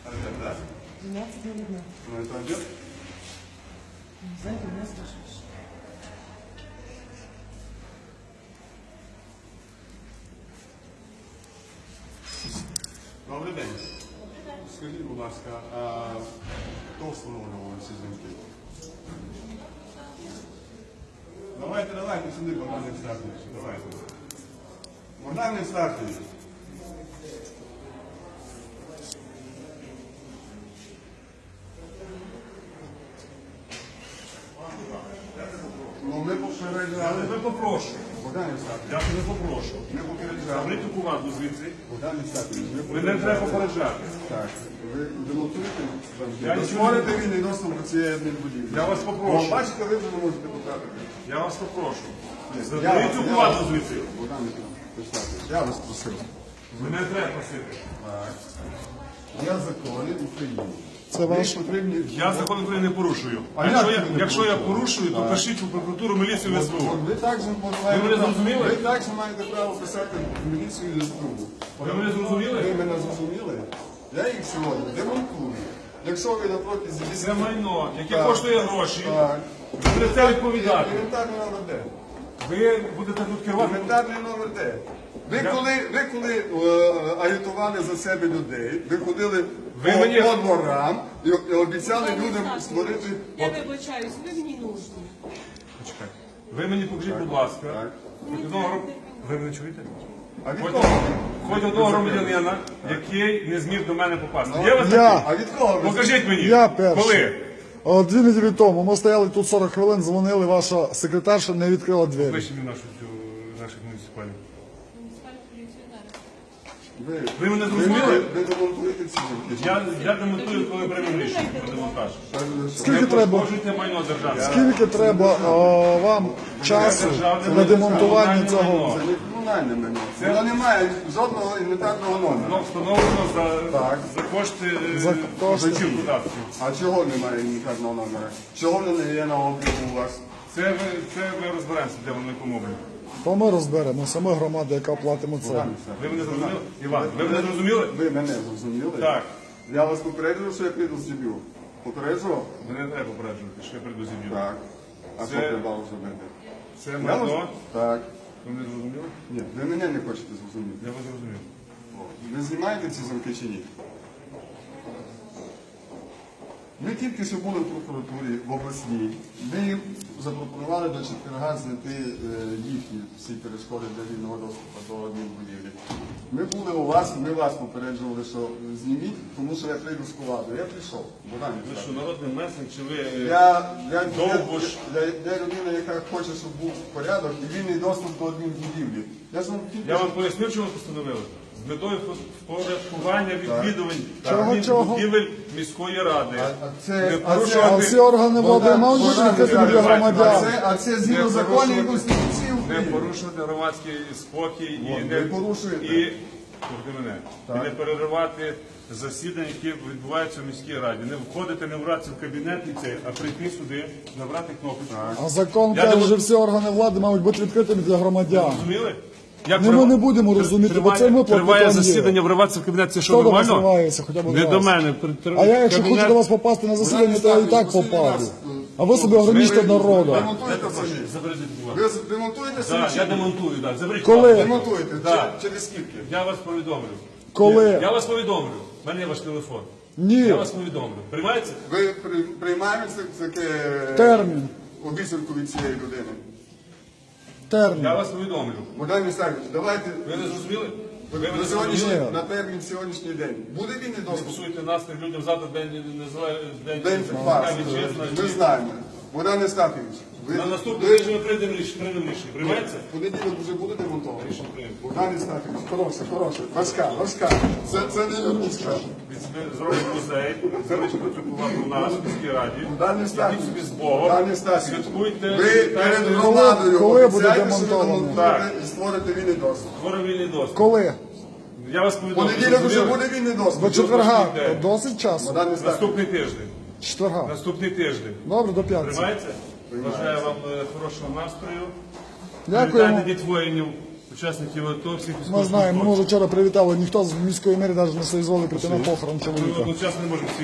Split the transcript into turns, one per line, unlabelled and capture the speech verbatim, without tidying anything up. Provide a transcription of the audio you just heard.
Обед, да?
двенадцать ноль один.
Ну это обед?
Не знаю, ты меня спрашиваешь.
Добрий день. Скажіть, будь ласка, а хто встановлював ці дзвінки? Давайте, давайте сюди, Богдан Євстафійович, давайте. Богдан Євстафійович. Ну, ми попереджали.
Я тебе попрошу.
Богдан Євстафійович,
Я тебе попрошу.
ми попереджали.
Заберіть команду звідси.
Богдан Євстафійович, ми
Мене треба попереджати.
Так, ви демонтуєте
Я
Ви
нічого
створите вільний доступ до цієї адмінбудівлі.
Я вас попрошу.
Бо, бачите, ви вже не можете потрапити.
Я вас попрошу.
Я
Заберіть
вас-
цю
я
команду
вас-
звідси.
Богдан Євстафійович, я вас просив.
Мене треба просити.
Так. Я закони України.
Це ваш?
Ви потрібні...
Я закон України не порушую.
А
Якщо
як
я,
ви не
якщо я
порушуєте?
порушую, то
Так.
пишіть у прокуратуру, міліцію, в
От
СБУ.
Ви також
Ви мене зрозуміли?
Ви також маєте право писати в міліцію і СБУ.
Ви мене зрозуміли?
Ви мене зрозуміли? Я їх сьогодні демонтую. Якщо ви на протязі
Це майно, яке
Так.
коштує гроші.
Так.
Ви будете це відповідати.
Інвентарний номер де?
Ви будете тут керувати.
Інвентарний номер де? Ви
Я-
коли, ви коли е, агітували за себе людей, ви ходили
Ви
по,
мені-
по дворам і, і обіцяли людям створити...
Я вибачаюсь, ви мені нужні.
Почекайте. Ви мені покажіть, будь ласка.
Так.
Хоч одного гром- Ви мене чуєте?
А від
Хоч,
кого?
хоч одного громадянина, який не зміг до мене попасти. Є у вас
Я.
такий?
А від кого? ви-
Покажіть мені.
Я перший.
Коли?
О, Дві неділі тому ми стояли тут сорок хвилин, дзвонили, ваша секретарша не відкрила двері.
Вище нашу цю наших муніципалів.
Ви,
Ви мене
ви,
зрозуміли?
ви демонтуєте ці жінки?
Я, я демонтую, коли приймемо рішення про демонтаж.
Скільки
Не
треба?
пошкоджуйте майно державне.
Скільки треба о, вам часу для демонтування цього?
Це не комунальне мене. Воно не має жодного інвентарного номера.
Воно встановлено за,
Так.
за кошти
За кошти.
платів податків.
А чого немає інвентарного номера? Чого воно не є на обліку у вас?
Це ви, це ми розберемося, де воно якому обліку.
То ми розберемося, ми громада, яка платимо це.
Ви мене зрозуміли? Іван, ви мене зрозуміли?
Ви мене зрозуміли?
Так.
Я вас попереджував, що я прийду з дебю. Попереджував?
Мене не треба попереджувати, що я прийду з землю.
Так. А
Це-
що треба зробити?
Це
Я
майно.
вас- Так.
Ви мене зрозуміли?
Ні, ви мене не хочете зрозуміти.
Я вас зрозумів.
Ви знімаєте ці замки чи ні? Ми тільки що були в прокуратурі в обласній. Ми їм запропонували до четверга знайти е, їхні всі перешкоди для вільного доступу до адмінбудівлі. Ми були у вас, ми вас попереджували, що зніміть, тому що я прийду з куладу. Я прийшов. Богдан
Ви
Євстафійович.
що, народний месник, чи ви... е,
Я, я,
Довго
я,
ж.
я, я людина, яка хоче, щоб був порядок і вільний доступ до адмінбудівлі. Я ж вам тільки
Я
що-
вам пояснив, чому постановили? З метою впорядкування відвідувань
Чого, чого?
будівель міської ради.
А- а це-
Не
а це-
порушувати-
А всі органи влади
Богдан-
мають бути
Богдан
відкритими для
Євстафійович, А
громадян.
це, а це згідно
Не
законів і
порушувати-
Конституції
Не
України.
порушувати громадський спокій
От,
і
ви
не
порушуєте.
І, слухайте мене, і не переривати засідання, які відбуваються в міській раді. Не входити, не вратися в кабінет і цей, а прийти сюди, набрати кнопочку.
А закон
Я
каже,
думаю-
що всі органи влади мають бути відкритими для громадян.
Розуміли? Як
Ну, ми
трива-
не будемо розуміти, бо
триває-
це ми
Триває
платникам є.
засідання, вриватися в кабінет, це що,
Хто до вас
нормально?
вривається хоча б
Не
раз?
до мене.
А я, якщо
Кабінет-
хочу до вас попасти на засідання, то я і так попаду. А ви собі ограничте народу.
Демонтуєте самі.
Заберіть, будь ласка.
Ви демонтуєте
Так,
самі?
я демонтую, так. Заберіть.
Коли?
будь ласка.
Демонтуєте.
Так.
Чи- Через скільки?
Я вас повідомлю.
Коли?
Я вас повідомлю. У мене є ваш телефон.
Ні.
Я вас повідомлю. Приймається?
Ви при- приймаєте це- таке
Термін.
обіцянку від цієї людини?
Термін.
Я вас повідомлю.
Богдан Євстафійович, давайте
Ви не зрозуміли? Ви
на
мене
сьогоднішній,
зрозуміли?
на термін сьогоднішній день. Буде вільний
Не
доступ?
псуйте настрій людям завтра день незалежності. День
День
захисника
фарс.
вітчизни.
Ми знаємо. Богдан Євстафійович, ви
На наступний
ви-
тиждень ми прийдемо рішення. Приймемо рішення. Приймається?
в понеділок вже буде демонтовано?
Рішення приймемо.
Богдан Євстафійович, хороше, хороше. Важка, важка. Це, це не юридичка.
Ми зробимо музей, залишимо цю повагу у нас, в міській раді.
Богдан
Ідіть
Євстафійович,
собі з Богом.
Богдан Євстафійович,
Святкуйте.
ви перед
вітайте.
громадою
Коли буде
обіцяєте, що ви
демонтовано?
демонтуєте і створите вільний доступ.
Скоро вільний доступ.
Коли?
Я вас
В
повідомлю.
понеділок вже
Зрозуміли?
буде вільний доступ.
До четверга.
День.
Досить часу.
Богдан Євстафійович,
Наступний тиждень.
Четверга.
Наступний тиждень.
Добре, до п'ятниці.
Приймається? Бажаю вам е, хорошого настрою.
Дякуємо.
Вітайте діть воїнів. учасників АТО, всіх
Ми
військовослужбовців.
знаємо, ми вже вчора привітали, ніхто з міської мери навіть не соізволив прийти на похорон чоловіка.
Ми одночасно не можемо всіх